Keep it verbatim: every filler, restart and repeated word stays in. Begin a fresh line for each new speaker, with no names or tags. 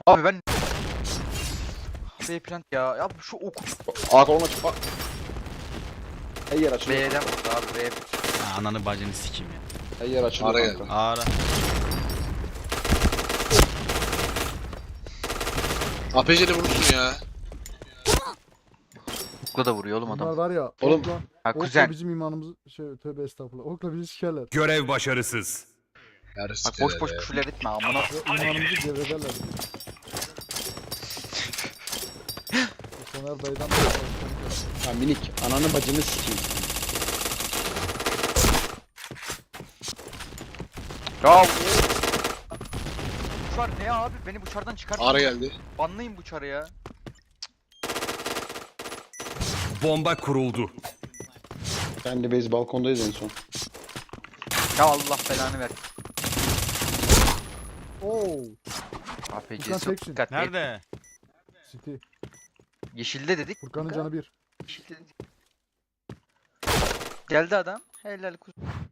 Abi ben B plant ya. Ya şu oku
A kolon açık bak. Her yer açılıyor.
B'den vurdu abi B.
Ya ananı bacını sikeyim ya.
Her yer açılıyor
Araya
kanka.
Ağra.
A P C'de vurursun ya.
Okla da vuruyor oğlum
Bunlar
adam.
var ya.
Oğlum,
Okla,
Ha
okla
kuzen.
bizim imanımız şey tövbe estağfurullah. Okla bizi sikerler.
Görev başarısız.
Yarısı
Bak boş boş küfürler etme amına.
Ve imanımızı devrederler. Soner dayıdan
ha minik. Ananı bacını sikeyim.
Ya bu çar ne abi? Beni bu çardan çıkart.
Ara geldi.
Banlayın bu çarı ya.
Bomba kuruldu.
Ben de base balkondayız en son.
Ya Allah belanı ver.
Oo.
A P
Furkan
C'si yok
teksin.
dikkatli.
Nerede?
City.
Yeşilde dedik.
Furkan'ın
Furkan.
canı bir.
Yeşilde dedik. Geldi adam. Helal kuzu.